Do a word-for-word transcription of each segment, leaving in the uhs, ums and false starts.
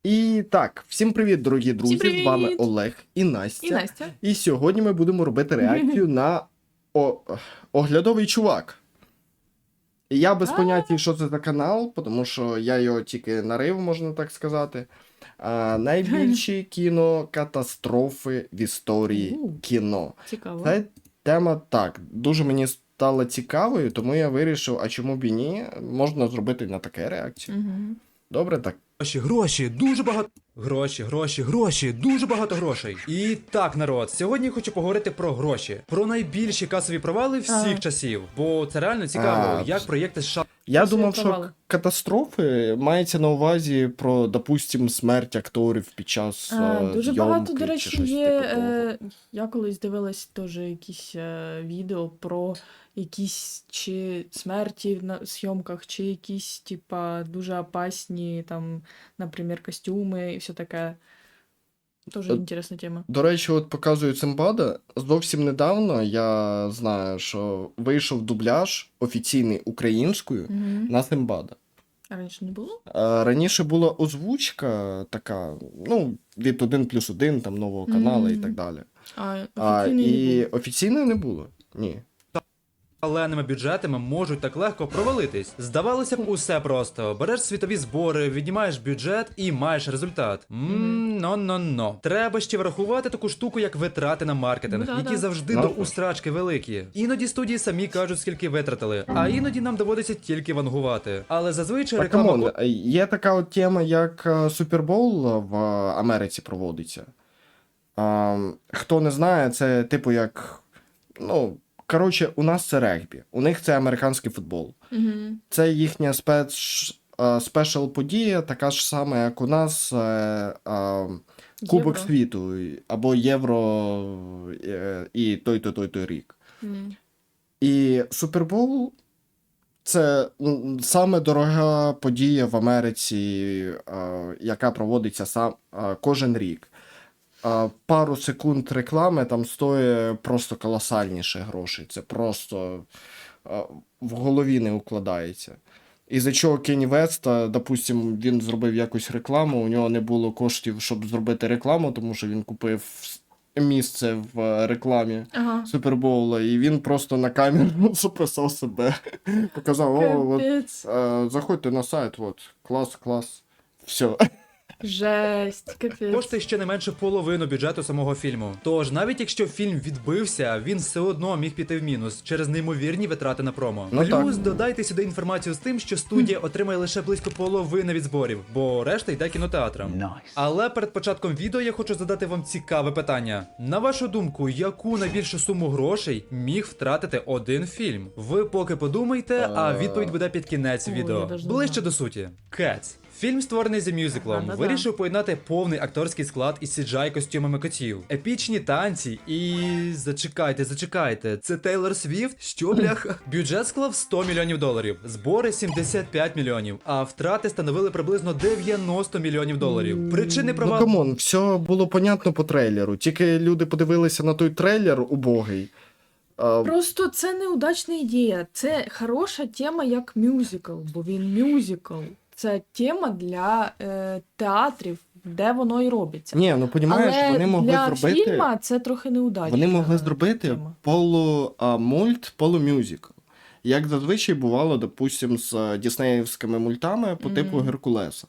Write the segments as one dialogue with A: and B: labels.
A: І так, всім привіт, дорогі друзі!
B: Всім
A: З вами
B: привіт!
A: Олег і Настя.
B: І Настя.
A: І сьогодні ми будемо робити реакцію на о... оглядовий чувак. І я без
B: А.
A: поняття, що це за канал, тому що я його тільки нарив, можна так сказати. А, найбільші кінокатастрофи в історії
B: У.
A: кіно.
B: Цікаво.
A: Це тема так, дуже мені стала цікавою, тому я вирішив, а чому б і ні, можна зробити на таке реакцію.
B: Угу.
A: Добре, так.
C: Гроші, гроші, дуже багато. Гроші, гроші, гроші, дуже багато грошей. І так, народ, сьогодні я хочу поговорити про гроші, про найбільші касові провали всіх
B: Ага.
C: часів. Бо це реально цікаво,
A: А,
C: як проєкти США
A: Я
B: Касові
A: думав, що
B: провали.
A: катастрофи мається на увазі про, допустим, смерть акторів під час
B: А,
A: е,
B: дуже
A: зйомки
B: багато, до
A: чи
B: речі,
A: щось
B: є.
A: типу того.
B: Е, я колись дивилась теж якісь е, відео про якісь чи смерті на зйомках, чи якісь, типа, дуже опасні, там, наприклад, костюми і все таке. Тоже
A: Е,
B: інтересна тема.
A: До речі, от показую Симбада. Зовсім недавно я знаю, що вийшов дубляж офіційний українською
B: Угу.
A: на Симбада.
B: А раніше не було?
A: А раніше була озвучка така, ну, від один плюс один, там, нового каналу і
B: Мгм.
A: так далі.
B: А
A: А,
B: офіційної не
A: і
B: було.
A: офіційної не було? Ні.
C: шаленими бюджетами можуть так легко провалитись. Здавалося б, усе просто. Береш світові збори, віднімаєш бюджет і маєш результат. Ммм, но-но-но. Треба ще врахувати таку штуку, як витрати на маркетинг,
B: Ну, да-да.
C: які завжди
A: Ну,
C: до
A: так.
C: устрачки великі. Іноді студії самі кажуть, скільки витратили, а іноді нам доводиться тільки вангувати. Але зазвичай
A: Так,
C: реклама...
A: камон, є така от тема, як е, Супербол в Америці проводиться. А, хто не знає, це типу як. Ну, коротше, у нас це регбі, у них це американський футбол.
B: Угу.
A: Це їхня спец, е, спешл подія, така ж сама, як у нас е, е, Кубок
B: Євро.
A: світу або Євро е, і той-то той-то рік.
B: Мгм.
A: І Супербол це м, саме дорога подія в Америці, е, яка проводиться сам е, кожен рік. Е, пару секунд реклами там стоїть просто колосальніше грошей. Це просто е, в голові не укладається. Із-за чого Кенні Веста, допустим, він зробив якусь рекламу, у нього не було коштів, щоб зробити рекламу, тому що він купив місце в е, рекламі
B: Ага.
A: Супербоула, і він просто на камеру записав себе. Показав, о, от,
B: Капець.
A: е, заходьте на сайт, от, клас, клас. Все.
B: Жесть, капець.
C: Коштує ще не менше половину бюджету самого фільму. Тож, навіть якщо фільм відбився, він все одно міг піти в мінус через неймовірні витрати на промо.
A: Ну
C: Плюс
A: так.
C: додайте сюди інформацію з тим, що студія отримає лише близько половини від зборів, бо решта йде кінотеатрам. Але перед початком відео я хочу задати вам цікаве питання. На вашу думку, яку найбільшу суму грошей міг втратити один фільм? Ви поки подумайте, а відповідь буде під кінець
B: Ой,
C: відео.
B: я даже не
C: Ближче
B: знаю.
C: до суті. Cats. Фільм створений за мюзиклом,
B: А, да-да.
C: вирішив поєднати повний акторський склад із сі джі ай костюмами котів, епічні танці і... зачекайте, зачекайте, це Тейлор Свіфт? Що, бляха? Бюджет склав сто мільйонів доларів, збори сімдесят п'ять мільйонів, а втрати становили приблизно дев'яносто мільйонів доларів. Причини
A: Ну,
C: провалу...
A: камон, все було понятно по трейлеру. Тільки люди подивилися на той трейлер убогий. А,
B: Просто це неудачна ідея. Це хороша тема як мюзикл, бо він мюзикл. Це тема для е, театрів, де воно і робиться.
A: ні, ну понімаєш,
B: Але
A: вони могли
B: для
A: зробити.
B: фільма це трохи неудачна
A: Вони могли зробити
B: тема.
A: полумульт, полумюзикл. Як зазвичай бувало, допустим, з е, діснеївськими мультами по типу
B: Мгм.
A: Геркулеса.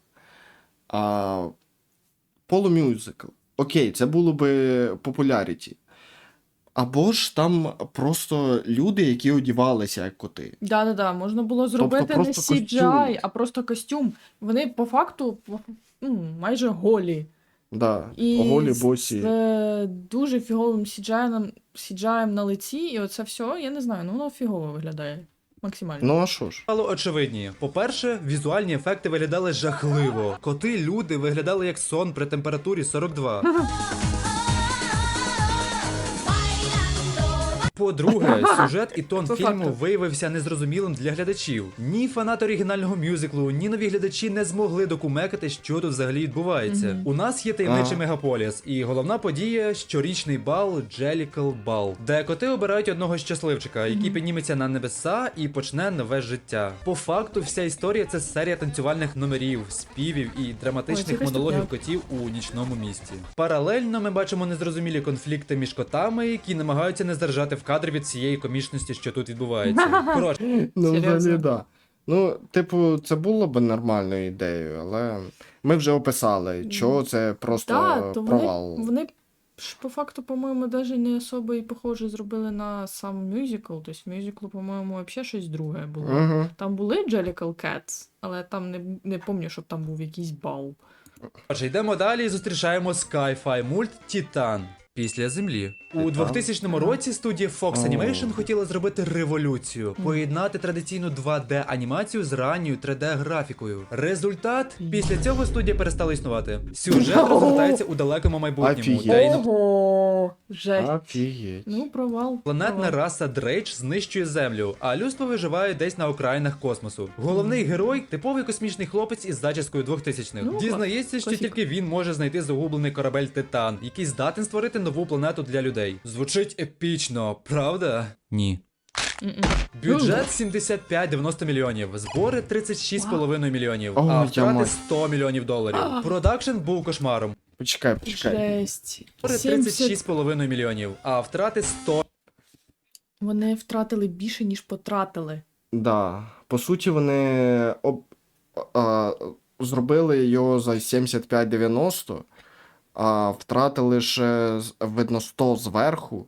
A: А, полумюзикл. Окей, це було би популяріті. Або ж там просто люди, які одівалися як коти.
B: Да-да-да, можна було зробити не
A: просто
B: сі джі ай,
A: костюм.
B: а просто костюм. Вони по факту ну, майже голі.
A: Да,
B: І
A: голі
B: з,
A: босі.
B: з е, дуже фіговим сі джі ай, сі джі ай на лиці, і оце все, я не знаю, ну воно фігово виглядає. Максимально.
A: Ну а що ж?
C: Стало очевидні. По-перше, візуальні ефекти виглядали жахливо. Коти, люди виглядали як сон при температурі сорок два. По-друге, сюжет і тон
B: По
C: фільму
B: факту.
C: виявився незрозумілим для глядачів. Ні фанати оригінального мюзиклу, ні нові глядачі не змогли докумекати, що тут взагалі відбувається.
B: Мгм.
C: У нас є таємничий
A: Ага.
C: мегаполіс, і головна подія щорічний бал Jellicle Ball, де коти обирають одного щасливчика, який
B: Мгм.
C: підніметься на небеса і почне нове життя. По факту, вся історія це серія танцювальних номерів, співів і
B: Ой, це
C: драматичних
B: якась
C: монологів
B: тупняк.
C: котів у нічному місті. Паралельно ми бачимо незрозумілі конфлікти між котами, які намагаються не здержати в кадр від цієї комічності, що тут відбувається. Коротше,
A: Ну,
B: Серйозно?
A: взагалі, да. Ну, типу, це було б нормальною ідеєю, але ми вже описали, чого це просто
B: Так, то
A: провал.
B: вони, вони ж по факту, по-моєму, навіть не особо і похоже зробили на сам мюзикл. Тобто мюзиклу, по-моєму, взагалі щось друге було.
A: Угу.
B: Там були Jellicle Cats, але там не, не пам'ятаю, щоб там був якийсь бал.
C: Отже, йдемо далі і зустрічаємо Sci-Fi мульт Титан. Після землі. У
A: Титан?
C: двохтисячному році студія Fox
A: О.
C: Animation хотіла зробити революцію, поєднати традиційну два де анімацію з ранньою три де графікою. Результат? Після цього студія перестала існувати. Сюжет розгортається у далекому майбутньому,
A: Офігеть.
C: де іно...
B: Ого! Жесть.
A: Офігеть.
B: Ну, провал.
C: Планетна
B: провал.
C: раса Дрейдж знищує землю, а людство виживає десь на окраїнах космосу. Головний герой типовий космічний хлопець із зачіскою двохтисячних.
B: Ну,
C: Дізнається, що
B: класика.
C: тільки він може знайти загублений корабель Титан, який здатен створити нову планету для людей. Звучить епічно, правда? Ні.
B: М-м.
C: Бюджет сімдесят п'ять дев'яносто мільйонів, збори тридцять шість з половиною мільйонів,
A: О,
C: а
A: я
C: втрати
A: мать.
C: сто мільйонів доларів.
B: А.
C: Продакшн був кошмаром.
A: Почекай, почекай.
B: Жесть.
C: Збори тридцять шість з
B: сімдесят...
C: половиною мільйонів, а втрати сто.
B: Вони втратили більше, ніж потратили.
A: Да. По суті, вони об... а, зробили його за сімдесят п'ять дев'яносто, а втратили ще, з- видно, сто зверху.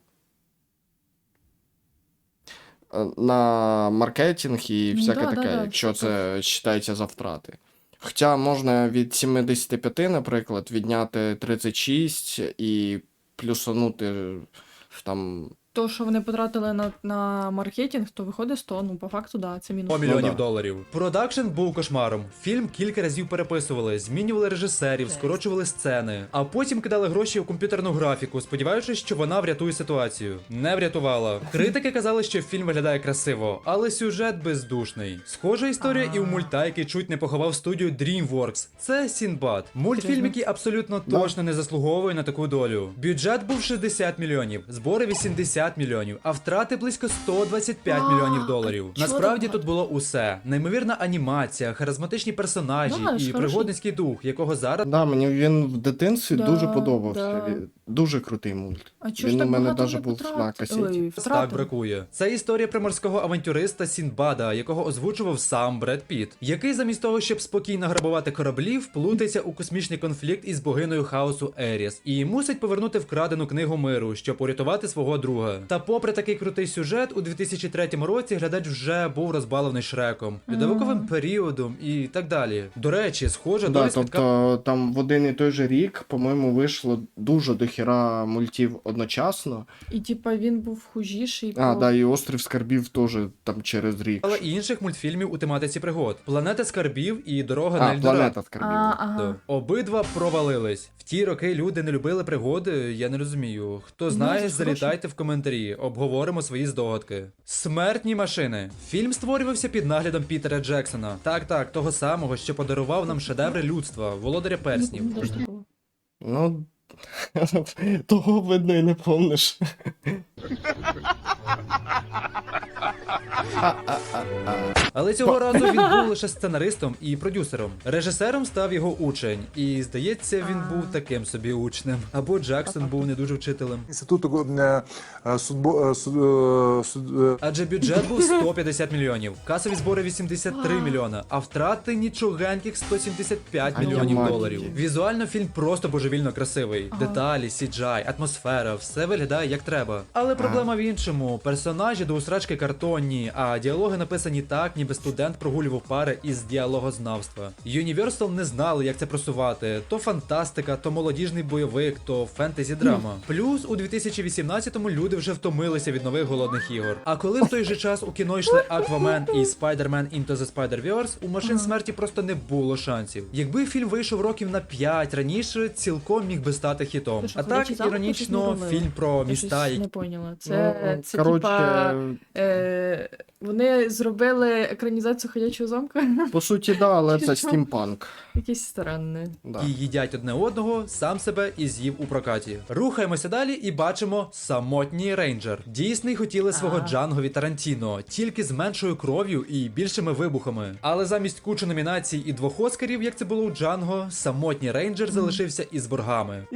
A: е, На маркетинг і
B: Ну
A: всяке
B: да, да,
A: таке,
B: да,
A: якщо
B: це
A: це вважається за втрати. Хоча можна від сімдесят п'ять, наприклад, відняти тридцять шість і плюсанути там.
B: То, що вони потратили на, на маркетинг, то виходить сто. Ну, по факту, да, це мінус.
C: сто мільйонів
A: Ну да.
C: доларів. Продакшн був кошмаром. Фільм кілька разів переписували, змінювали режисерів,
B: Жесть.
C: скорочували сцени, а потім кидали гроші у комп'ютерну графіку, сподіваючись, що вона врятує ситуацію. Не врятувала. Критики казали, що фільм виглядає красиво, але сюжет бездушний. Схожа історія і у мульта, який чуть не поховав студію DreamWorks. Це Сінбад. Мультфільм,
B: Серйозно?
C: який абсолютно
A: Да.
C: точно не заслуговує на таку долю. Бюджет був шістдесят мільйонів, збори вісімдесят мільйонів, а втрати близько сто двадцять п'ять
B: А,
C: мільйонів доларів.
B: а чого
C: Насправді
B: так
C: тут було усе: неймовірна анімація, харизматичні персонажі
B: Да,
C: і
B: ж хороший.
C: пригодницький дух, якого зараз
A: Да, мені він в дитинстві
B: Да,
A: дуже подобався.
B: да.
A: Він- Дуже крутий мульт.
B: А чого ж
A: Він у
B: так
A: мене
B: багато
A: даже
B: вони
A: був
B: потрат-
A: на касеті.
B: Ой,
C: так
B: втратили?
C: бракує. Це історія приморського авантюриста Сінбада, якого озвучував сам Бред Піт, який замість того, щоб спокійно грабувати кораблі, вплутається у космічний конфлікт із богиною хаосу Еріс і мусить повернути вкрадену книгу миру, щоб урятувати свого друга. Та попри такий крутий сюжет, у дві тисячі третьому році глядач вже був розбалений Шреком, льодовиковим
B: Мгм.
C: періодом і так далі. До речі, схожа
A: Да,
C: доля спіткала
A: тобто там в один і той же рік, по-моєму, вийшло дуже дохіра мультів одночасно.
B: І типа він був хужіший.
A: А,
B: по-
A: да, і Острів Скарбів теж там через рік.
C: Але і інших мультфільмів у тематиці пригод: Планета скарбів і Дорога на
A: А,
C: Ельдорадо.
A: Планета Скарбів.
B: А, ага.
C: Да. Обидва провалились. В ті роки люди не любили пригоди, я не розумію. Хто
B: Ну,
C: знає,
B: це ж
C: залітайте в коментарі, обговоримо свої здогадки. Смертні машини. Фільм створювався під наглядом Пітера Джексона. Так, так, того самого, що подарував нам шедеври людства, володаря перснів.
B: Ну, де ж такого?
A: Ну, того видно і не помниш.
C: Але цього разу він був лише сценаристом і продюсером. Режисером став його учень, і здається, він
B: А.
C: був таким собі учнем. Або Джексон був не дуже вчителем.
D: Інституту е, е, судбо, е, суд, е, суд, е,
C: Адже бюджет був сто п'ятдесят мільйонів, касові збори вісімдесят три мільйона, а втрати нічогеньких сто сімдесят п'ять
A: А я
C: мільйонів
A: мать
C: доларів.
A: її.
C: Візуально фільм просто божевільно красивий.
B: Ага.
C: Деталі, сі джі ай, атмосфера, все виглядає як треба. Але проблема в іншому: персонажі до усрачки картонні, а діалоги написані так, ніби студент прогулював пари із діалогознавства. Universal не знали, як це просувати: то фантастика, то молодіжний бойовик, то фентезі драма. Плюс у дві тисячі вісімнадцятому люди вже втомилися від нових голодних ігор. А коли в той же час у кіно йшли Аквамен і Spider-Man Into the Spider-Verse, у машин смерті просто не було шансів. Якби фільм вийшов років на п'ять раніше, цілком міг би стати хітом.
B: Ти що,
C: А
B: «Ходячий
C: так,
B: замок»
C: іронічно,
B: щось не робили?
C: фільм про
B: Я
C: міста,
B: щось
C: які
B: не поняла. Це,
A: Ну,
B: це
A: коротше, коротше,
B: Е, вони зробили екранізацію «Ходячого замка».
A: по суті, да, але
B: Чи
A: це
B: що?
A: стімпанк.
B: Якесь странне.
A: Да.
C: І їдять одне одного, сам себе і з'їв у прокаті. Рухаємося далі і бачимо самотній рейнджер. Дійсний хотіли свого
B: А.
C: Джанго від Тарантіно, тільки з меншою кров'ю і більшими вибухами. Але замість кучі номінацій і двох оскарів, як це було у Джанго, самотній рейнджер залишився із боргами.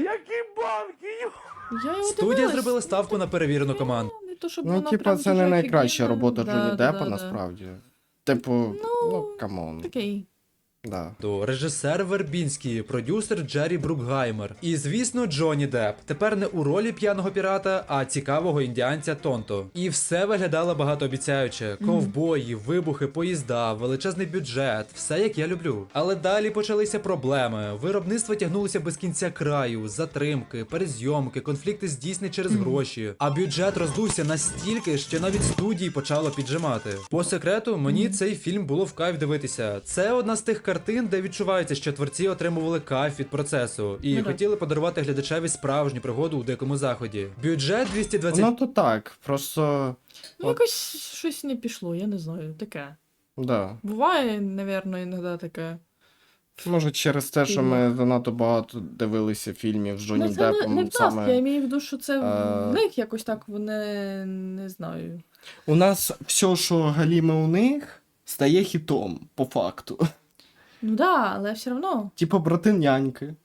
B: Я його
C: Студія
B: дивилась.
C: зробила ставку на перевірену команду.
B: Не то, щоб
A: Ну,
B: вона
A: типа,
B: прям
A: це
B: дуже
A: не найкраща
B: офігенна.
A: робота
B: Да,
A: Джонні
B: да,
A: Деппа,
B: да, да.
A: насправді. Типу, ну, камон.
B: Такий.
A: Да.
C: Режисер Вербінський, продюсер Джері Брукгаймер. І, звісно, Джонні Депп. Тепер не у ролі п'яного пірата, а цікавого індіанця Тонто. І все виглядало багатообіцяюче. Ковбої, вибухи, поїзда, величезний бюджет. Все як я люблю. Але далі почалися проблеми. Виробництво тягнулося без кінця краю, затримки, перезйомки, конфлікти з Дісней через гроші. А бюджет роздувся настільки, що навіть студії почало піджимати. По секрету, мені цей фільм було в кайф дивитися. Це одна з тих картин, де відчувається, що творці отримували кайф від процесу і
B: Ну так.
C: хотіли подарувати глядачеві справжню пригоду у дикому заході. Бюджет двісті двадцять
A: Ну то так, просто.
B: Ну, якось щось не пішло, я не знаю, таке.
A: Да.
B: Буває, напевно, іноді таке.
A: Може, через те, що ми занадто багато дивилися фільмів з Джонні
B: Ну, це не,
A: Деппом.
B: не в нас,
A: саме...
B: я маю в виду, що це
A: е,
B: в них якось так, вони, не знаю.
A: У нас все, що галіме у них, стає хітом, по факту.
B: Ну да, але все одно.
A: Типа брати няньки. Е,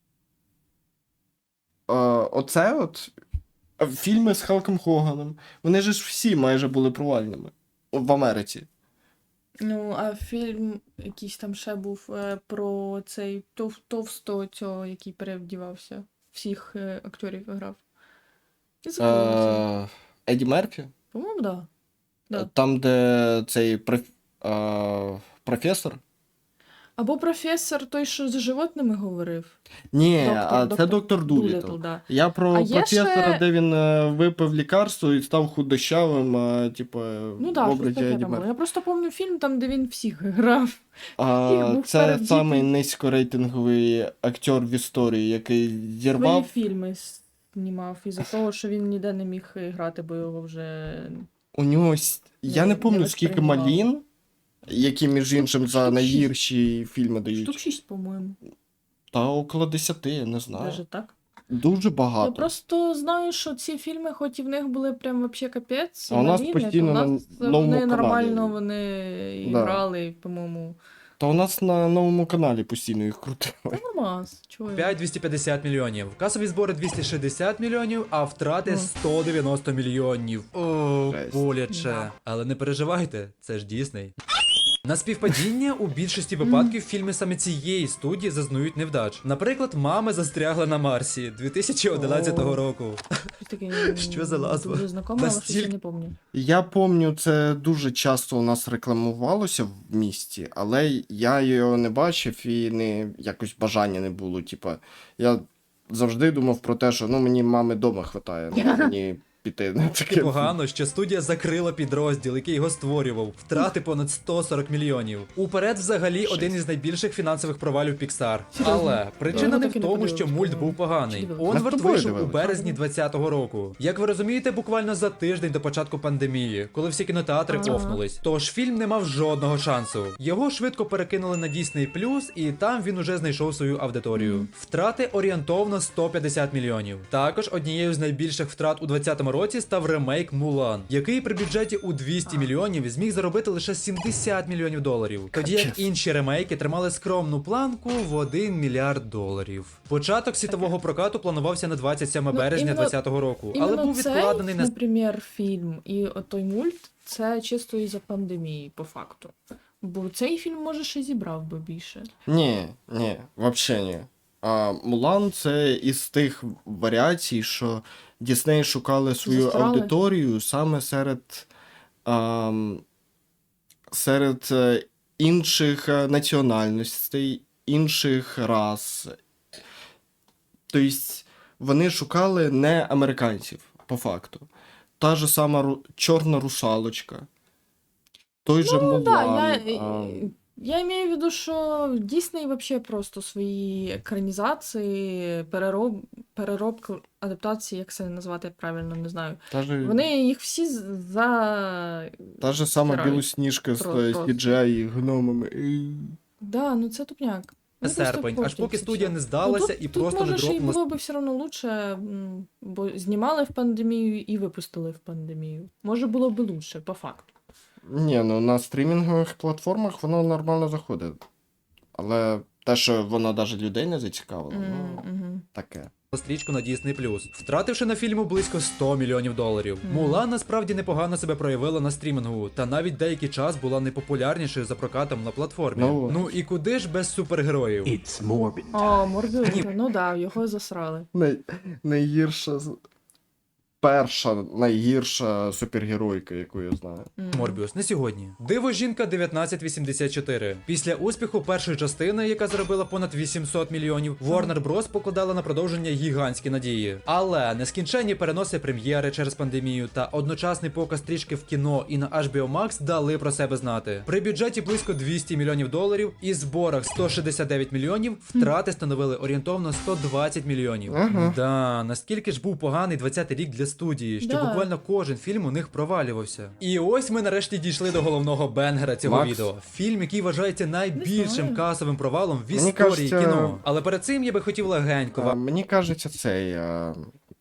A: оце от е, фільми з Халком Хоганом. Вони ж всі майже були провальними в Америці.
B: Ну, а фільм якийсь там ще був е, про цей тов, товсто цього, який перевдівався. Всіх е, акторів грав. Я забула.
A: Е, Еді Мерфі.
B: По-моєму, да. Да.
A: Там, де цей проф... е, професор.
B: Або професор той, що з животними говорив.
A: Ні,
B: Доктор-
A: а це
B: доктор
A: доктор
B: Дуліттл,
A: Дуліттл.
B: да.
A: Я про
B: А є
A: професора,
B: ще-
A: де він е, випив лікарство і став худощавим, е, типу,
B: Ну
A: в
B: да, щось
A: образі
B: таке
A: Еді
B: там було.
A: Мерфі.
B: Я просто пам'ятаю фільм, там, де він всіх грав.
A: А,
B: Їх був
A: це
B: перебдітий.
A: самий низькорейтинговий актер в історії, який
B: Свої
A: зірвав.
B: фільми знімав із-за того, що він ніде не міг грати, бо його вже.
A: У нього, с- я
B: Не-
A: не
B: не
A: пам'ятаю, скільки
B: восприймав.
A: малін, які, між
B: Штук-
A: іншим, за
B: штук шість.
A: найгірші фільми дають.
B: Штук шість, по-моєму.
A: Та около десяти, я не знаю.
B: Даже так.
A: Дуже багато.
B: Я просто знаю, що ці фільми, хоч і в них були прям вообще капець,
A: А у нас
B: маліни,
A: постійно
B: то у
A: на
B: нас
A: новому
B: вони
A: каналі.
B: нормально вони і
A: Да.
B: грали, по-моєму.
A: Та у нас на новому каналі постійно їх крутили.
B: Та нормас, чого я?
C: п'ять двісті п'ятдесят мільйонів. Касові збори двісті шістдесят мільйонів, а втрати
B: Ну.
C: сто дев'яносто мільйонів. О,
A: Жесть.
C: боляче.
B: Да.
C: Але не переживайте, це ж Дісней. На співпадіння у більшості випадків фільми саме цієї студії зазнають невдач. Наприклад, «Мами застрягли на Марсі» дві тисячі одинадцятого
B: О.
C: року.
B: Щось таке,
C: Що за назва?
B: Дуже знакоме, але щось
C: Настільки-
B: я не пам'ятаю.
A: Я пам'ятаю, це дуже часто у нас рекламувалося в місті, але я його не бачив і не якось бажання не було. Типа, я завжди думав про те, що ну мені мами вдома хватає, ну, мені піти на таке.
C: Погано, що студія закрила підрозділ, який його створював. Втрати понад сто сорок мільйонів. Уперед, взагалі, один із найбільших фінансових провалів Pixar.
B: Серйозно?
C: Але причина
B: Да.
C: не
B: Ну,
C: в
B: так і не
C: тому, що
B: подивилась.
C: мульт був поганий.
B: Чи дивилась?
A: Ми з
C: Онвард
A: тобою
C: вийшов у
A: дивились.
C: березні двадцятого року. Як ви розумієте, буквально за тиждень до початку пандемії, коли всі кінотеатри
B: Ага.
C: офнулись. Тож фільм не мав жодного шансу. Його швидко перекинули на Disney+, і там він уже знайшов свою аудиторію. Втрати орієнтовно сто п'ятдесят мільйонів. Також однією з найбільших втрат у двадцятому році став ремейк Мулан, який при бюджеті у двісті мільйонів зміг заробити лише сімдесят мільйонів доларів. Тоді як
A: Капець.
C: інші ремейки тримали скромну планку в один мільярд доларів. Початок світового прокату планувався на двадцять сьоме
B: Ну,
C: березня
B: іменно-
C: двадцятого року, але
B: Іменно
C: був
B: цей,
C: відкладений на
B: наприклад, фільм і той мульт, це чисто із-за пандемії, по факту. Бо цей фільм, може, ще зібрав би більше.
A: Ні, ні, взагалі ні. А Мулан це із тих варіацій, що Дісней шукали свою
B: Застрали.
A: аудиторію саме серед, ам, серед е, інших е, національностей, інших рас. Тобто вони шукали не американців, по факту. Та ж сама ру... чорна русалочка. Той же
B: Ну,
A: Мулан.
B: да, я,
A: а,
B: Я имею в виду, що Дісней вообще просто свої екранізації, перероб, переробки, адаптації, як це назвати правильно, не знаю.
A: Та же,
B: Вони їх всі з- за.
A: та же сама
B: стирають.
A: Білосніжка з
B: Про-
A: е,
B: просто.
A: сі джі ай і гномами. І-
B: Да, ну це тупняк. Ну, просто
C: серпень, аж
B: портять
C: поки
B: це
C: студія
B: все.
C: не здалася
B: тут,
C: і
B: тут,
C: просто не
B: може, ще й
C: дропнула.
B: було б все одно лучше, м, бо знімали в пандемію і випустили в пандемію. Може було б лучше, по факту.
A: Ні, ну на стрімінгових платформах воно нормально заходить. Але те, що воно навіть людей не зацікавило, ну,
B: М-м.
A: таке.
C: стрічку на Disney+, втративши на фільму близько сто мільйонів доларів.
B: Мгм.
C: Мулан насправді непогано себе проявила на стрімінгу, та навіть деякий час була найпопулярнішою за прокатом на платформі.
A: Ну,
C: Ну і куди ж без супергероїв?
E: It's morbid.
B: О, Морбіус, ну да, його засрали.
A: Най... Найгірша. з- Перша найгірша супергеройка, яку я знаю.
B: М.
C: Морбіус, не сьогодні. Диво жінка дев'ятнадцять вісімдесят чотири. Після успіху першої частини, яка заробила понад вісімсот мільйонів, Warner Bros. Покладала на продовження гігантські надії. Але нескінченні переноси прем'єри через пандемію та одночасний показ стрічки в кіно і на ейч бі о Max дали про себе знати. При бюджеті близько двісті мільйонів доларів і зборах сто шістдесят дев'ять мільйонів втрати становили орієнтовно сто двадцять мільйонів.
A: Ага.
C: Да, наскільки ж був поганий двадцятий рік для студії, що
B: Да.
C: буквально кожен фільм у них провалювався. І ось ми нарешті дійшли до головного бенгера цього
A: Макс.
C: відео. Фільм, який вважається найбільшим
B: знаю.
C: касовим провалом в
A: Мені
C: історії
A: кажеться-
C: кіно. Але перед цим я би хотів легенько
A: А,
C: вам.
A: мені кажеться, цей. А...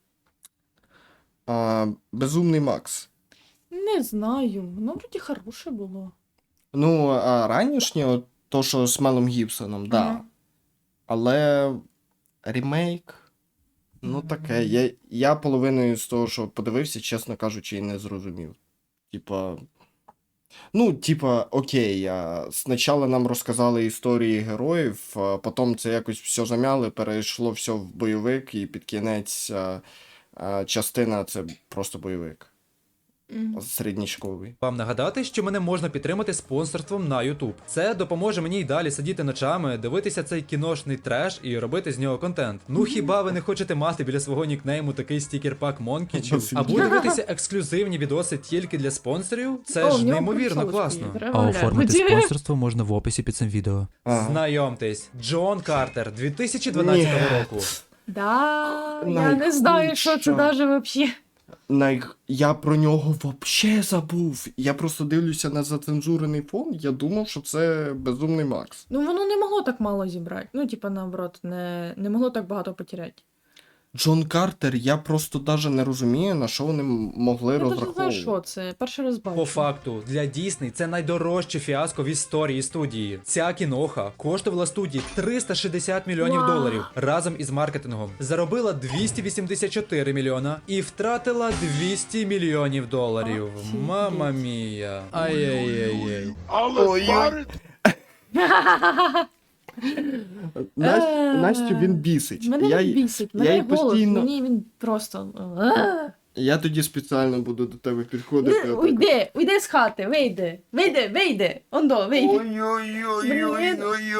A: А, Безумний Макс.
B: Не знаю, воно вроді хороше було.
A: Ну, а ранішнє, от то, що з Мелом Гібсоном, да.
B: Ага.
A: Але ремейк. Ну, таке. Я, я половиною з того, що подивився, чесно кажучи, і не зрозумів. Типа. Ну, типа, окей, а, спочатку нам розказали історії героїв, а потім це якось все замяли, перейшло все в бойовик, і під кінець а, а, частина це просто бойовик.
B: М.
A: Середнячковий.
C: Вам нагадати, що мене можна підтримати спонсорством на YouTube. Це допоможе мені й далі сидіти ночами, дивитися цей кіношний треш і робити з нього контент. Ну хіба ви не хочете мати біля свого нікнейму такий стікер-пак Монкічів? Або дивитися ексклюзивні відоси тільки для спонсорів? Це
B: О, в
C: ж
B: нього
C: неймовірно
B: приколочки
C: класно.
B: є, треба
F: А
B: глянути.
F: оформити спонсорство можна в описі під цим відео.
A: Ага.
C: Знайомтесь, Джон Картер, дві тисячі дванадцятого
A: Ні.
C: року.
B: Да, я не знаю, що це
A: Найхудша.
B: даже вообще.
A: Най... Я про нього вообще забув. Я просто дивлюся на зацензурений фон, я думав, що це Безумний Макс.
B: Ну воно не могло так мало зібрати. Ну, типа, наоборот, не, не могло так багато потеряти.
A: Джон Картер, я просто навіть не розумію, на що вони м- могли
B: Я навіть не знаю,
A: розраховувати.
B: що це. Перший раз бачу.
C: По факту, для Дісней це найдорожче фіаско в історії студії. Ця кіноха коштувала студії триста шістдесят мільйонів
B: Вау.
C: доларів разом із маркетингом. Заробила двісті вісімдесят чотири мільйона і втратила двісті мільйонів доларів.
B: Офігеть.
C: Мама мія. Ай-яй-яй-яй.
A: Ой-ой. Настю,
B: Е,
A: Настю він бісить.
B: Мене
A: я,
B: він
A: й-
B: бісить,
A: я
B: мене
A: їй
B: голос,
A: постійно-
B: мені він просто. А!
A: я тоді спеціально буду до тебе підходити.
B: Не,
A: отак.
B: уйди, уйди з хати, вийди, вийди, вийди, ондо, вийди.
A: Ой-ой-ой-ой-ой.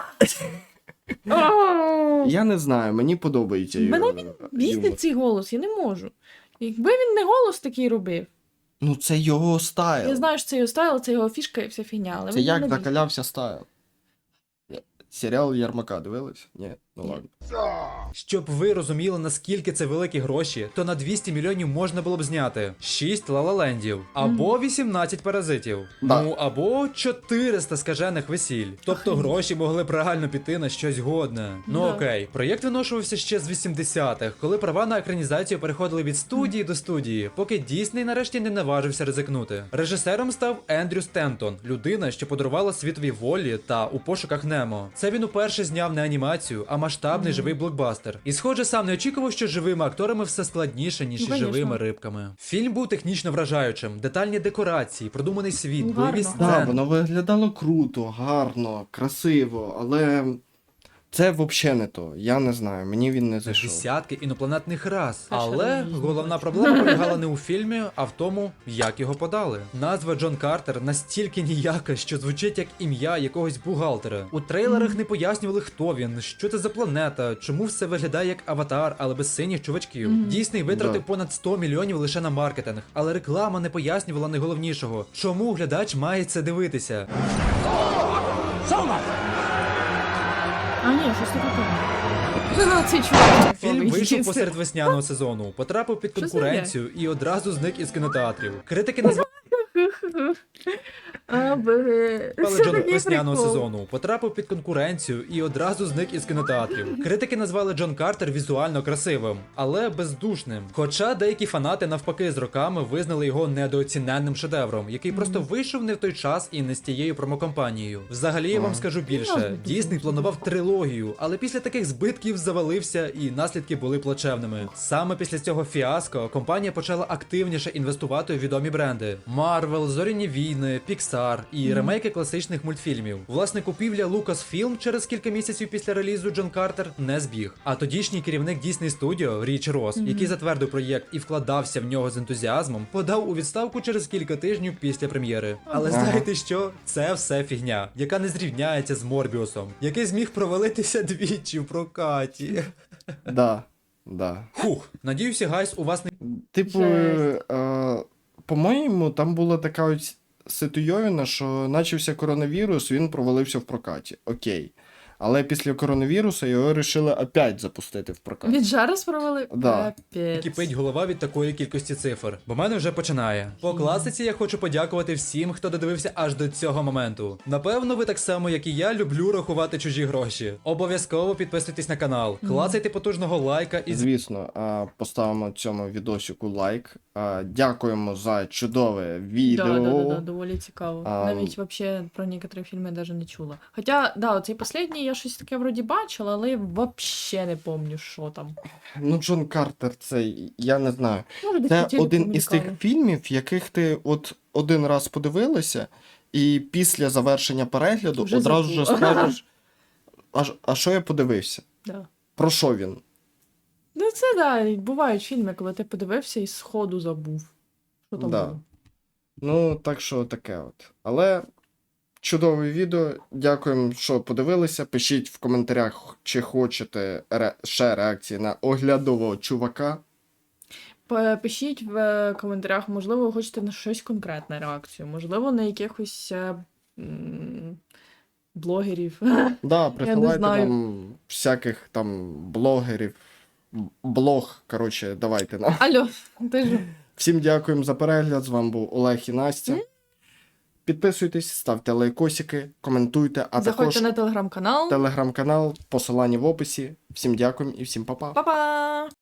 B: О!
A: Я не знаю, мені подобається.
B: Мене
A: його
B: Бісить
A: юмор.
B: цей голос, я не можу. Якби він не голос такий робив,
A: Ну це його стайл.
B: я знаю, що це його стайл, це його фішка і вся фігня, але
A: Це
B: він
A: як
B: мене бісить.
A: закалявся стайл. Серіал Ярмака дивились? Ні, ну ладно.
C: Щоб ви розуміли, наскільки це великі гроші, то на двісті мільйонів можна було б зняти шість лалалендів, або вісімнадцять паразитів,
A: Да.
C: ну або чотириста скажених весіль. Тобто
B: Охренеть.
C: гроші могли б реально піти на щось годне. Ну
B: Да.
C: окей, проєкт виношувався ще з вісімдесятих, коли права на екранізацію переходили від студії до студії, поки Дісней нарешті не наважився ризикнути. Режисером став Ендрю Стентон, людина, що подарувала світові волі та у пошуках Немо. Це він уперше зняв не анімацію, а масштабний живий блокбастер. І схоже, сам не очікував, що живими акторами все складніше, ніж
B: Ну,
C: із
B: конечно.
C: живими рибками. Фільм був технічно вражаючим, детальні декорації, продуманий світ,
B: Ну,
C: бойові
B: гарно.
A: Так,
C: сцени.
A: воно виглядало круто, гарно, красиво, але це взагалі не то. Я не знаю, мені він не зайшов.
C: Десятки інопланетних рас.
B: А що
C: Але
B: там їздить?
C: головна проблема полягала не у фільмі, а в тому, як його подали. Назва Джон Картер настільки ніяка, що звучить як ім'я якогось бухгалтера. У трейлерах не пояснювали, хто він, що це за планета, чому все виглядає як аватар, але без синіх чувачків.
B: Мгм.
C: Дійсний витратив
A: Да.
C: понад сто мільйонів лише на маркетинг, але реклама не пояснювала найголовнішого, чому глядач має це дивитися.
B: А, ні, щось таке певне. Цей чувак.
C: Фільм
B: типовий.
C: вийшов посеред весняного сезону, потрапив під
B: Що це
C: конкуренцію і одразу зник із кінотеатрів. Критики назвали
B: А, бе.
C: Але
B: Це
C: Джон
B: такий
C: весняного
B: прикол.
C: сезону потрапив під конкуренцію і одразу зник із кінотеатрів. Критики назвали Джон Картер візуально красивим, але бездушним. Хоча деякі фанати навпаки з роками визнали його недооціненним шедевром, який просто вийшов не в той час і не з тією промокомпанією. Взагалі я вам скажу більше,
B: Можна
C: Дісней
B: подумати.
C: планував трилогію, але після таких збитків завалився і наслідки були плачевними. Саме після цього фіаско компанія почала активніше інвестувати у відомі бренди: Marvel, Зоряні війни, Pixar і ремейки класичних мультфільмів. Власне, купівля Lucasfilm через кілька місяців після релізу Джон Картер не збіг. А тодішній керівник Disney Studio Річ Росс, який затвердив проєкт і вкладався в нього з ентузіазмом, подав у відставку через кілька тижнів після прем'єри. Але
A: Ага.
C: знаєте що? Це все фігня, яка не зрівняється з Морбіусом, який зміг провалитися двічі в прокаті.
A: Да, да.
C: Фух, надіюся, гайс, у вас не
A: Типу,
B: Жесть.
A: е, по-моєму, там була така ось ситуйовина, що начався коронавірус, він провалився в прокаті. Окей. Але після коронавірусу його вирішили опять запустити в прокат.
B: Від жару спровели?
A: Да.
B: Капець.
C: кипить голова від такої кількості цифр, бо мене вже починає. По класиці я хочу подякувати всім, хто додивився аж до цього моменту. Напевно, ви так само, як і я, люблю рахувати чужі гроші. Обов'язково підписуйтесь на канал, клацайте потужного лайка і
A: Звісно, а, поставимо цьому відосику лайк. А, Дякуємо за чудове відео.
B: Да, да, да, да, доволі цікаво.
A: А,
B: Навіть вообще про некоторі фільми я даже не чула. Хоча, да, оцей последній я щось таке вроді бачила, але я вообще не помню, що там.
A: Ну, Джон Картер, це я не знаю.
B: Може, десь
A: Це
B: по телеку
A: один із тих
B: мелькало.
A: фільмів, яких ти от один раз подивилася, і після завершення перегляду
B: Вже
A: одразу ж
B: забула.
A: скажеш, а, ж- а що я подивився?
B: Да.
A: Про що він?
B: Ну це да, і бувають фільми, коли ти подивився і сходу забув. Що там
A: Да.
B: було.
A: Ну, так що таке от. Але чудове відео. Дякуємо, що подивилися. Пишіть в коментарях, чи хочете ре... ще реакції на оглядового чувака.
B: П- Пишіть в е, коментарях, можливо, ви хочете на щось конкретне реакцію, можливо, на якихось е, м, блогерів.
A: Да, присилайте
B: знаю.
A: нам всяких там блогерів. Б- Блог, коротше, давайте нам.
B: Алло, ти ж.
A: Всім дякуємо за перегляд. З вами був Олег і Настя. Підписуйтесь, ставте лайкосики, коментуйте, а
B: Заходьте
A: також
B: на телеграм-канал.
A: телеграм-канал, посилання в описі. Всім дякуємо і всім па-па.
B: Па-па!